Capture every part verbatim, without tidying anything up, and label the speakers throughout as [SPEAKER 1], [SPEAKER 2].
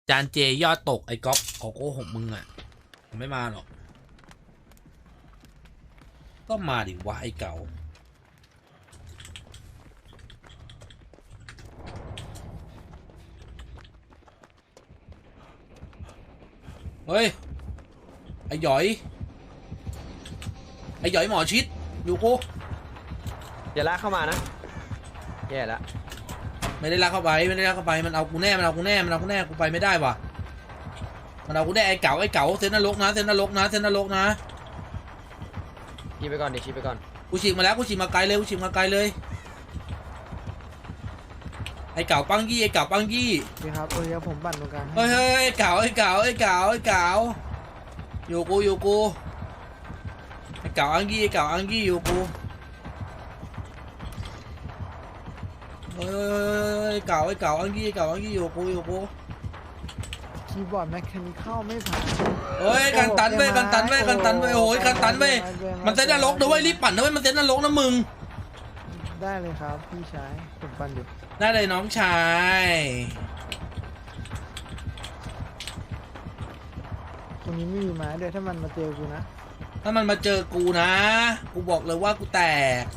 [SPEAKER 1] จานเจยอดตกไอ้ก๊อฟขอโกหกมึงอ่ะไม่มาหรอกก็มาดิวะไอ้เก่าเฮ้ยไอ้หยอยไอ้หยอยหมอชิดอยู่กู
[SPEAKER 2] อย่าลากเข้ามานะแย่แล้ว
[SPEAKER 1] ไม่ได้ลากเข้าไปไม่ได้ลากเข้าไปมันเอากูแน่มันเอากูแน่มันเอากูแน่กูไปไม่ได้ว่ะมันเอากูแน่ไอ้เก๋าไอ้เก๋าเซนนรกนะเซนนรกนะเซนนรกนะ
[SPEAKER 2] ชี้ไปก่อนดิชี้ไปก่อน
[SPEAKER 1] กูฉีกมาแล้วกูฉีกมาไกลเลยกูฉีกมาไกลเลยไอ้เก๋าปังยี่ไอ้เก๋าปังยี่
[SPEAKER 3] ดีครับเออเดี๋ยวผมปั่นตรงกลาง
[SPEAKER 1] เฮ้ยเฮ้ยไอ้เก๋าไอ้เก๋าไอ้เก๋าไอ้เก๋าอยู่กูอยู่กูไอ้เก๋าอังยี่ไอ้เก๋าอังยี่อยู่กูเฮ้ยไอ้เก๋าไอ้เก๋าอังยี่ไอ้เก๋าอังยี่อยู่กูอยู่กู
[SPEAKER 3] คีย์บอร์ดแมคคานิคอลไม่ผ่าน
[SPEAKER 1] เฮ้ยกันตันเว้ยกันตันเว้ยกันตันเว้ยโอ้ยกันตันเว้ยมันเซนนรกนะเว้ยรีบปั่นนะเว้ยมันเซนนรกนะมึง
[SPEAKER 3] ได้เลยครับพี่ชายผมปั่นอยู่
[SPEAKER 1] ได้เลยน้องชาย
[SPEAKER 3] ตรงนี้ไม่มีไม้ด้วยถ้ามันมาเจอกูนะ
[SPEAKER 1] ถ้ามันมาเจอกูนะกูบอกเลยว่ากูแตก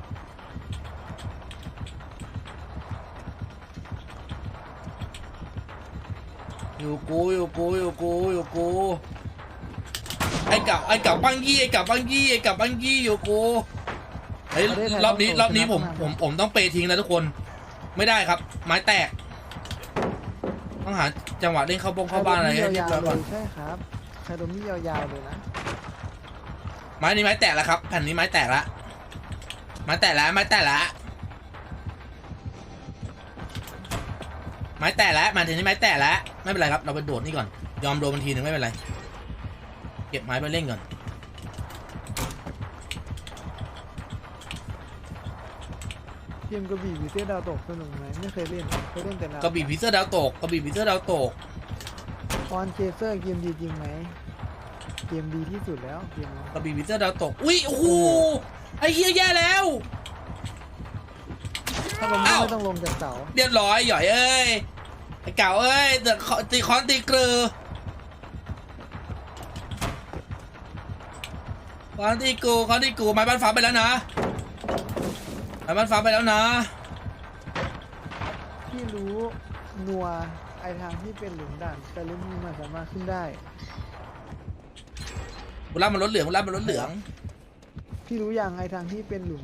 [SPEAKER 1] อยู่กูอยู่กูอยู่กูอยู่กูไอ้เก่าไอ้เก่าปังยี่ไอ้เก่าปังยี่ไอ้เก่าปังยี่อยู่กูเฮ้ยรอบนี้รอบนี้ผมผมผมต้องเปย์ทิ้งแล้วทุกคนไม่ได้ครับไม้แตกต้องหาจังหวะเล่นเข้าบงเข้าบ้านอะไรให้เรียบ
[SPEAKER 3] ยา
[SPEAKER 1] ร้อ
[SPEAKER 3] วย ๆ
[SPEAKER 1] ก่อน
[SPEAKER 3] เลยใช่ครับใครโดนมียาวๆเลยนะ
[SPEAKER 1] ไม้นี้ไม้แตกแล้วครับแผ่นนี้ไม้แตกแล้วไม้แตกแล้วไม้แตกแล้วไม้แตกแล้วมาถึงนี้ไม้แตกแล้วไม่เป็นไรครับเราไปโดดนี่ก่อนยอมโดนมันทีหนึ่งไม่เป็นไรเก็บไม้ไปเล่นก่อน
[SPEAKER 3] เกมกระบี่วีเซดาวตกสนุกไหมไม่เคยเล่นเคยเล่นแต่ละ
[SPEAKER 1] กระบี่พิเซอร์ดาวตกกระบี่พิเซอร์ดาวตก
[SPEAKER 3] ออนเจเซอร์เกมดีจริงไหมเกมดีที่สุดแล้วเกมนี้
[SPEAKER 1] กระบี่พิเซอร์ดาวตกอุ้ยโอ้โหไอ้เฮียแย่แล้ว
[SPEAKER 3] ถ้าลง
[SPEAKER 1] อ้าว
[SPEAKER 3] ไม่ต้องลงจากเสา
[SPEAKER 1] เรียบร้อยหย่อยเอ้ยไอ้เก่าเอ้ยเดือดตีคอนตีเกลือคอนตีกูคอนตีกูไม้บ้านฟ้าไปแล้วนะไม้บ้านฟ้าไปแล้วนะ
[SPEAKER 3] พี่รู้นัวไอทางที่เป็นหลุมด่านแต่ลุมนี้มันสามารถขึ้นได้
[SPEAKER 1] บุรับมันรถเหลืองบุรับมันรถเหลือง
[SPEAKER 3] พี่รู้อย่างไอทางที่เป็นหลุม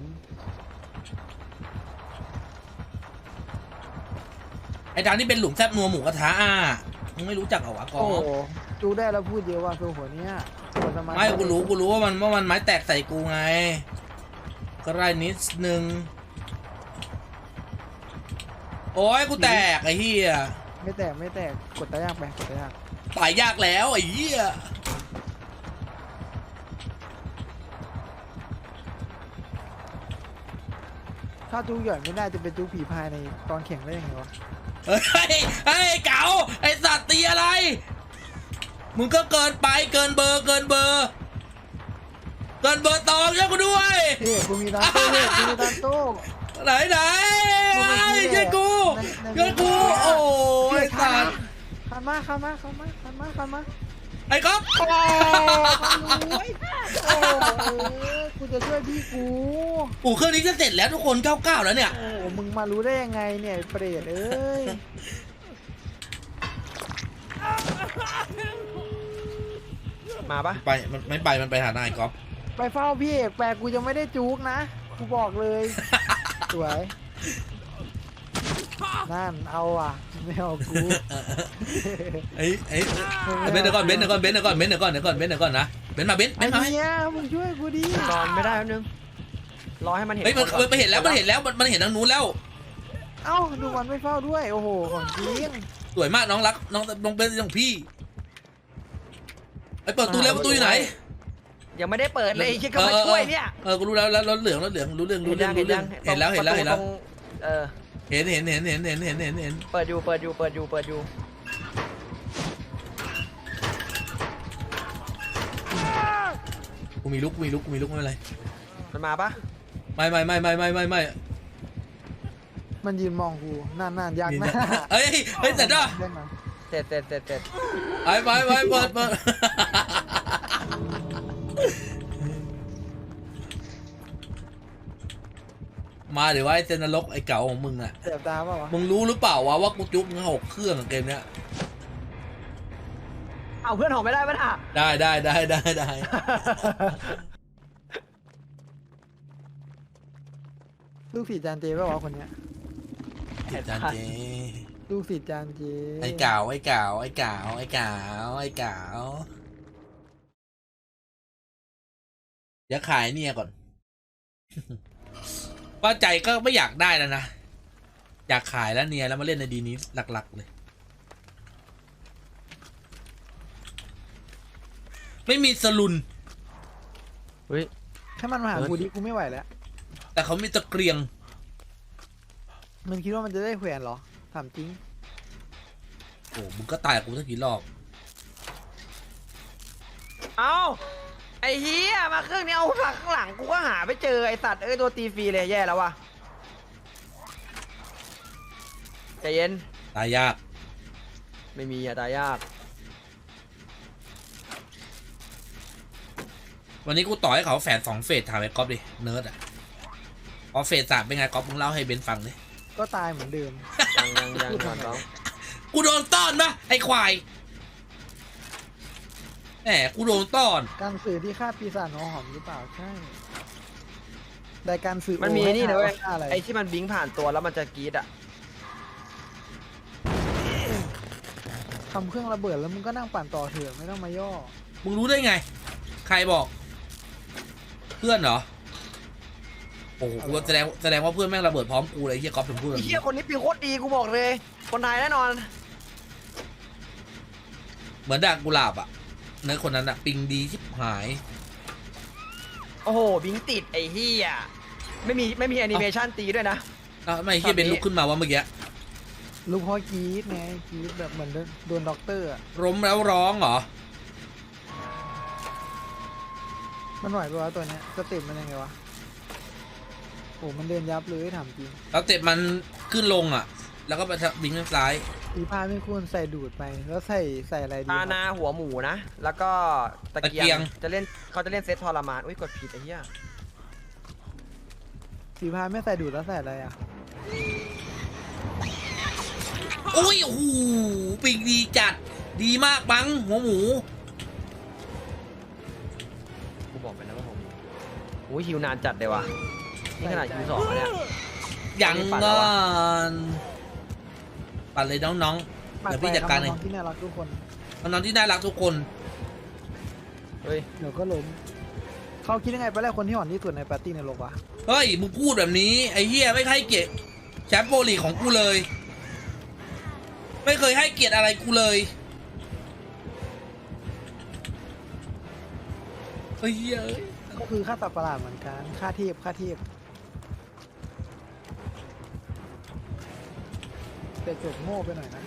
[SPEAKER 1] ไอ้ทางที่เป็นหลุมแซบนัวหมูกระทะอ่ะมึงไม่รู้จักเหรอวะกอ
[SPEAKER 3] โอ้
[SPEAKER 1] ง
[SPEAKER 3] โหดูได้แล้วพูดเยอะว่าตัวหัวเนี้ยหัวสมาธิ
[SPEAKER 1] ไม่กูรู้กูรู้ว่ามันว่ามันไม้แตกใส่กูไงก็ได้นิดนึงโอ้ยกูแตกไอ้เหี้ย
[SPEAKER 3] ไม่แตกไม่แตกกดตายากไปกดตายาก
[SPEAKER 1] ตายยากแล้วไอ้เหี้ย
[SPEAKER 3] ถ้าจูหย่อนไม่ได้จะเป็นจูผีพายในตอนแข่งได้ยังไงวะ
[SPEAKER 1] เฮ้ยเฮ้ยเก๋าไอ้สัตว์ตีอะไรมึงก็เกินไปเกินเบอร์เกินเบอร์เกินเบอร์ตองช่วยกูด้วย
[SPEAKER 3] เฮ้ยกูมีตานโต้เฮ้ยกูมีตานโต้
[SPEAKER 1] ไหนไหนช่วยกูช่วยกูโอ้ยสัตว์
[SPEAKER 3] ขันมาขันมาขันมาขันมาขันมา
[SPEAKER 1] ไอ้ก๊อฟ
[SPEAKER 3] โอ้ยโอ้ยกูจะช่วยพี่กู
[SPEAKER 1] อู่เครื่องนี้จะเสร็จแล้วทุกคนเก้าเก้าแล้วเนี่ย
[SPEAKER 3] โอ้มึงมารู้ได้ยังไงเนี่ยเปรตเอ้ย
[SPEAKER 2] มาปะ
[SPEAKER 1] ไปมันไม่ไปมันไปหานายก๊อฟ
[SPEAKER 3] ไปเฝ้าพี่เอกแปลกูยังไม่ได้จุกนะกูบอกเลยสวยนั่นเอาอ่ะไม่เอากู
[SPEAKER 1] ไอ้ไอ้เบนเดี๋ยวก่อนเบนเดี๋ยวก่อนเบนเดี๋ยวก่อนเบนเดี๋ยวก่อนเดี๋ยวก่อนเบนเดี๋ยวก่อนนะเบนมาเบนเบ
[SPEAKER 3] ไอ้
[SPEAKER 1] นมา
[SPEAKER 3] เนี้ยมึงช่วยกูดิ
[SPEAKER 2] ก่อนไม่ได้แป๊บนึงรอให้มันเห็น
[SPEAKER 1] เฮ้ยมัน
[SPEAKER 2] ก่อ
[SPEAKER 1] มันเห็นแล้วมันเห็นแล้วมันมันเห็นทางนู้นแล้ว
[SPEAKER 3] เอ้าดูมันไม่เฝ้าด้วยโอ้โหของจริง
[SPEAKER 1] สวยมากน้องรักน้องน้องเป็นของพี่ไอ้เปิดประตูแล้วประตูอยู่ไหน
[SPEAKER 2] ยังไม่ได้เปิดเลยคิดก็มาช่วยเนี่ย
[SPEAKER 1] เออกูรู้แล้วแล้วรถเหลืองรถเหลืองรู้เรื่องรู้เรื่องรู้เรื่องเห็นแล้วเห็นแล้วเห็นแล้ว
[SPEAKER 2] เออ
[SPEAKER 1] เห็นเห็นเห็นเห็นเห็นเห็นเห็นเห็น
[SPEAKER 2] เปิดอยู่เปิดอยู่เปิดอยู่เปิดอยู่
[SPEAKER 1] กูมีลุกกูมีลุกกูมีลุกไม่เป็นไร
[SPEAKER 2] มันมาปะ
[SPEAKER 1] ไม่ไม่ไม่ไม่ไม่ไม่ไม่
[SPEAKER 3] มันยืนมองกูนานๆยากนะ
[SPEAKER 1] เฮ้ยเฮ้ยเสร็จแล้ว
[SPEAKER 3] เล่นมา
[SPEAKER 2] เสร็จเสร็จเสร็จเสร็จ
[SPEAKER 1] ไปไปไปเปิดเปิดมาเดี๋ยวว่าไอ้เซนนรกไอ้เก่าของมึงอ่ะ
[SPEAKER 3] เสียบตาเปล่าวะ
[SPEAKER 1] มึงรู้หรือเปล่าวะว่ากูจุกมึงหกเครื่องอะเกมเนี้ย
[SPEAKER 2] เอาเพื่อนหอมไม่ได้ปะน่ะ
[SPEAKER 1] ได้ได้ได้ได้ได้
[SPEAKER 3] ลูกศิษย์จานเจเปล่าวะคนเนี้ย
[SPEAKER 1] ติดจานเจ
[SPEAKER 3] ลูกศิษย์จานเจ
[SPEAKER 1] ไอ้เก่าไอ้เก่าไอ้เก่าไอ้เก่าไอ้เก่าเดี๋ยวขายเนี่ยก่อน ป้าใจก็ไม่อยากได้แล้วนะ อยากขายแล้วเนี่ยแล้วมาเล่นในดีนี้หลักๆเลย ไม่มีสลุน
[SPEAKER 2] เฮ้ย
[SPEAKER 3] ถ้ามันมาหา
[SPEAKER 2] เออ
[SPEAKER 3] กูดิกูไม่ไหวแล้ว
[SPEAKER 1] แต่เขามีตะเกียง
[SPEAKER 3] มันคิดว่ามันจะได้แขวนเหรอถามจริง
[SPEAKER 1] โอ้มึงก็ตายกับกูสักกี่รอบ
[SPEAKER 2] เอาไอ้เฮียมาเครื่องนี้เอาหลังข้างหลังกูก็หาไม่เจอไอ้สัตว์เอ้ยตัวตีฟรีเลยแย่แล้ววะใจเย็น
[SPEAKER 1] ตายยาก
[SPEAKER 2] ไม่มีอะตายยาก
[SPEAKER 1] วันนี้กูต่อให้เขาแฝดสองเฟสถามไอ้ก๊อฟดิเนิร์ดอ่ะพอเฟสสามเป็นไงก๊อฟมึงเล่าให้เบนฟังดิ
[SPEAKER 3] ก็ตายเหมือนเดิม
[SPEAKER 2] ยังยังยังก่อนน้อง
[SPEAKER 1] กูโดนต้อนปะไอ้ควายแหมกูโดนต้อน
[SPEAKER 3] การสื่อที่ฆ่าปีศาจหัวหอมหรือเปล่าใช่แต่การสื่อ
[SPEAKER 2] มันมี
[SPEAKER 3] โให้
[SPEAKER 2] นี่นะเว้ย
[SPEAKER 3] ฆ่าอะไร
[SPEAKER 2] ไอ้ที่มันบิงผ่านตัวแล้วมันจะกรีดอะ
[SPEAKER 3] ทำเครื่องระเบิดแล้วมึงก็นั่งปั่นต่อเถอะไม่ต้องมาย่อ
[SPEAKER 1] มึงรู้ได้ไง ใครบอก เพื่อนเหรอโอ้โหกูแสดงแสดงว่าเพื่อนแม่งระเบิดพร้อมกูเลยไอ้เฮียก๊อฟถึงพูดแบ
[SPEAKER 2] ไอ้
[SPEAKER 1] บ
[SPEAKER 2] เฮี
[SPEAKER 1] นี้
[SPEAKER 2] ยคนนี้ปีโคตรดีกูบอกเลย คนไทยแน่นอน
[SPEAKER 1] เหมือนด่างกุหลาบอ่ะเนื้อคนนั้นอ่ะปิงดีชิบหาย
[SPEAKER 2] โอ้โหบิงติดไอ้เฮียไม่มีไม่มีแอนิเมชันตีด้วยนะ
[SPEAKER 1] อ้าวทำไมเฮียเบนลุกขึ้นมาว่าเมื่อกี้
[SPEAKER 3] ลูกพ่อกรีดไงกรีดแบบเหมือนโดนด็อกเตอร์อะ
[SPEAKER 1] ล้มแล้วร้องเหรอ
[SPEAKER 3] มันไหวปะวะตัวเนี้ยสเต็ปมันยังไงวะโอ้มันเดินยับเลยถามจริง
[SPEAKER 1] แล้วเจ็บมันขึ้นลงอ่ะ แล้วก็ไปทางบิงทางซ้าย
[SPEAKER 3] สีผ้าไม่ควรใส่ดูดไปแล้วใส่ใส่อะไรดี
[SPEAKER 2] ตา
[SPEAKER 3] ครับ
[SPEAKER 2] นาหัวหมูนะ แล้วก็ตะเกี
[SPEAKER 1] ตะเกี
[SPEAKER 2] ย
[SPEAKER 1] ย
[SPEAKER 2] ง
[SPEAKER 1] ง
[SPEAKER 2] จะเล่นเขาจะเล่นเซตทรมานอุ้ยกดผิดไอ้เหี้ย
[SPEAKER 3] สีผ้าไม่ใส่ดูดแล้วใส่อะไรอ่ะ
[SPEAKER 1] โอ้ยโอ้โหปิงดีจัด ดีมากบังหัวหมู
[SPEAKER 2] กูบอกไปแล้วว่าผมอุ้ยฮิวนานจัดเลยว่ะนี่ขนาดฮิวสองแล้วเนี่ย
[SPEAKER 1] ยัง
[SPEAKER 2] ปั่น
[SPEAKER 1] ง
[SPEAKER 2] แล้ว
[SPEAKER 1] อ
[SPEAKER 2] วะ
[SPEAKER 1] นปั่นเลยน้องๆเดี๋ยวพี่จัดการเอง
[SPEAKER 3] น้องๆที่น่ารักทุกคน
[SPEAKER 1] น้องๆที่น่ารักทุกคน
[SPEAKER 2] เฮ้ย
[SPEAKER 3] เดี๋ยวก็ล้มเขาคิดยังไงไปแล้วคนที่อ่อนที่สุดในปาร์ตี้ในโลกวะ
[SPEAKER 1] เฮ้ย มึงพูดแบบนี้ ไอ้เหี้ยไม่ให้เกียรติแชมป์โปรลีกของกูเลย ไม่เคยให้เกียรติอะไรกูเลยเฮ้ยเอ้ย
[SPEAKER 3] ก็คือค่าตัดประหลาดเหมือนกันค่าเทพค่าเทพแต่จบโง่ไปหน่อยนะ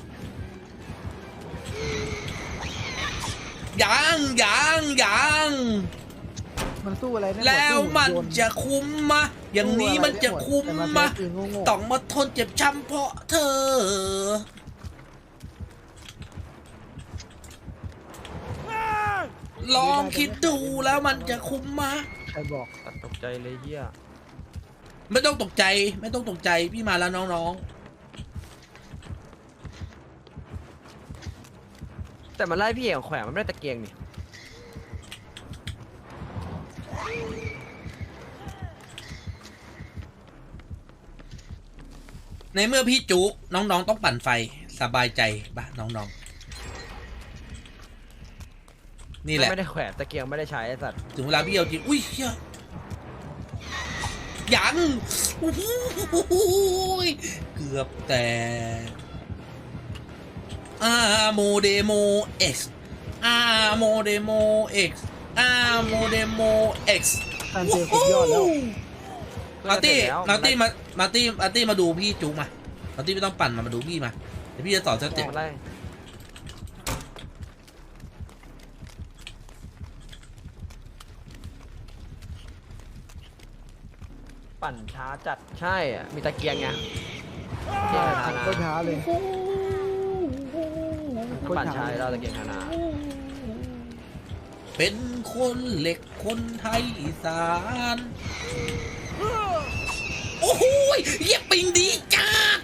[SPEAKER 1] ยังยังยัง
[SPEAKER 3] มันสู้อะไรได้หมด
[SPEAKER 1] แล้ว
[SPEAKER 3] สู้
[SPEAKER 1] มัน
[SPEAKER 3] โยน
[SPEAKER 1] จะคุ้มมะ อย่างนี้มันจะคุ้ม
[SPEAKER 3] แต่
[SPEAKER 1] มะ
[SPEAKER 3] ใช้ปืนโง่
[SPEAKER 1] ต้องมาทนเจ็บช้ำเพราะเธอ ลองคิดดูแล้วมันจะคุ้มมะ
[SPEAKER 3] ๆใครบอก
[SPEAKER 2] ตัดตกใจเลยเหี้ย
[SPEAKER 1] ไม่ต้องตกใจ ไม่ต้องตกใจพี่มาแล้วน้อง
[SPEAKER 2] แต่มันไล่พี่เอกแขวนมันไม่ได้ตะเกียงนี่
[SPEAKER 1] ๆ ในเมื่อพี่จุกน้องๆต้องปั่นไฟสบายใจปะน้องๆ นี่แหละ
[SPEAKER 2] ไม่ได้แขวนตะเกียงไม่ได้ใช้ไอ้สัตว์
[SPEAKER 1] ถึงเวลาพี่เอาจริง อุ้ยเฮียยังโอ้โหเกือบแต่อาโมเดโมเอ็กซ์อาโมเดโมเอ็กซ์อาโมเดโมเอ็กซ์
[SPEAKER 3] การเจอสุดยอดแล้ว
[SPEAKER 1] มาร์ตี้
[SPEAKER 2] เสร็จแล้ว
[SPEAKER 1] มาร์ตี้มามาร์ตี้มาร์ตี้มาดูพี่จุกมามาร์ตี้ไม่ต้องปั่นมามาดูพี่มาเดี๋ยวพี่จะสอนสเต็ป
[SPEAKER 2] มันไล่ปั่นช้าจัดใช่อะมีตะเกียงไงเกียงทานา
[SPEAKER 3] ก็ช้าเลยคน
[SPEAKER 2] ปั่น
[SPEAKER 3] ขาว
[SPEAKER 2] ชายเราตะเกียงธนา
[SPEAKER 1] เป็นคนเหล็กคนไทยอีสานโอ้โหเยี่ยปิงดีจ้า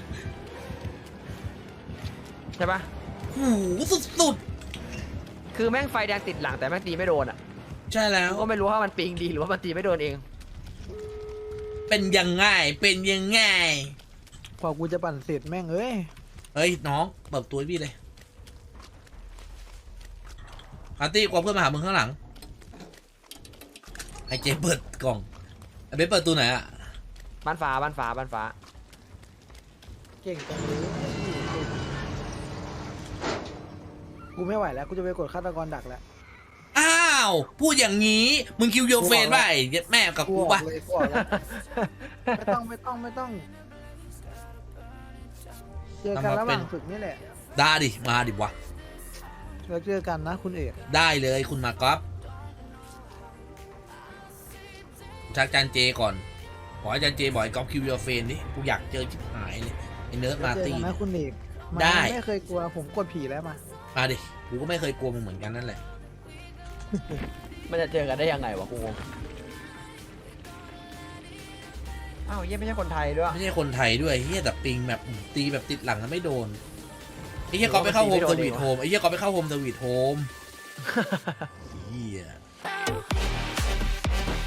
[SPEAKER 2] ใช่ปะ
[SPEAKER 1] หูสุด
[SPEAKER 2] คือแม่งไฟแดงติดหลังแต่แม่งตีไม่โดนอ่ะ
[SPEAKER 1] ๆใช่แล้ว
[SPEAKER 2] ก็ไม่รู้ว่ามันปิงดีหรือว่ามันตีไม่โดนเอง
[SPEAKER 1] เป็นยังไงเป็นยังไง
[SPEAKER 3] พอกูจะปั่นเสร็จแม่งเอ้ย
[SPEAKER 1] เฮ้ยน้องเปิดตัวให้พี่เลยอาร์ตี้กลัวเพื่อนมาหามึงข้างหลังไอเจเปิดกล่องไอเบสเปิดตัวไหนอะ
[SPEAKER 2] บ้านฟ้าบ้านฟ้าบ้านฟ้า
[SPEAKER 3] เก่งจังเลยกูไม่ไหวแล้วกูจะไปกดฆาตกรดักแล้ว
[SPEAKER 1] อ้าวพูดอย่างนี้มึงคิวโยเฟนป่ะไอ้เย็ดแม่กับ
[SPEAKER 3] กู
[SPEAKER 1] กู
[SPEAKER 3] ออ
[SPEAKER 1] ป่ะ
[SPEAKER 3] กเลยกูออกแล้วไม่ต้องไม่ต้องไม่ต้องเจอกันระหว่างฝึกนี่แหละ
[SPEAKER 1] ได้ดิมาดิวะ
[SPEAKER 3] แล้วเจอกันนะคุณเอก
[SPEAKER 1] ได้เลยคุณมาก๊อฟชักจันเจก่อนขออาจารย์เจบอกไอ้ก๊อฟคิวโยเฟนดิกูอยากเจอชิบหายเลยไอ้เนิร์ดมา
[SPEAKER 3] เจอ
[SPEAKER 1] ตี
[SPEAKER 3] กันนะคุณเอก
[SPEAKER 1] ได้
[SPEAKER 3] มาไม่เคยกลัวผมกดผีแล้วมา
[SPEAKER 1] มาดิกูก็ไม่เคยกลัวมึงเหมือนกันนั่นแหละ
[SPEAKER 2] มันจะเจอกันได้ยังไงวะกูงงอ้าวเยี่ยไม่ใช่คนไทยด้วย
[SPEAKER 1] ไม่ใช่คนไทยด้วยเฮียแต่ปิงแบบตีแบบติดหลังแล้วไม่โดนไอ้เฮียก๊อฟไปเข้าโฮมสวีทโฮมไอ้เฮียก๊อฟไปเข้าโฮมสวีทโฮมเฮีย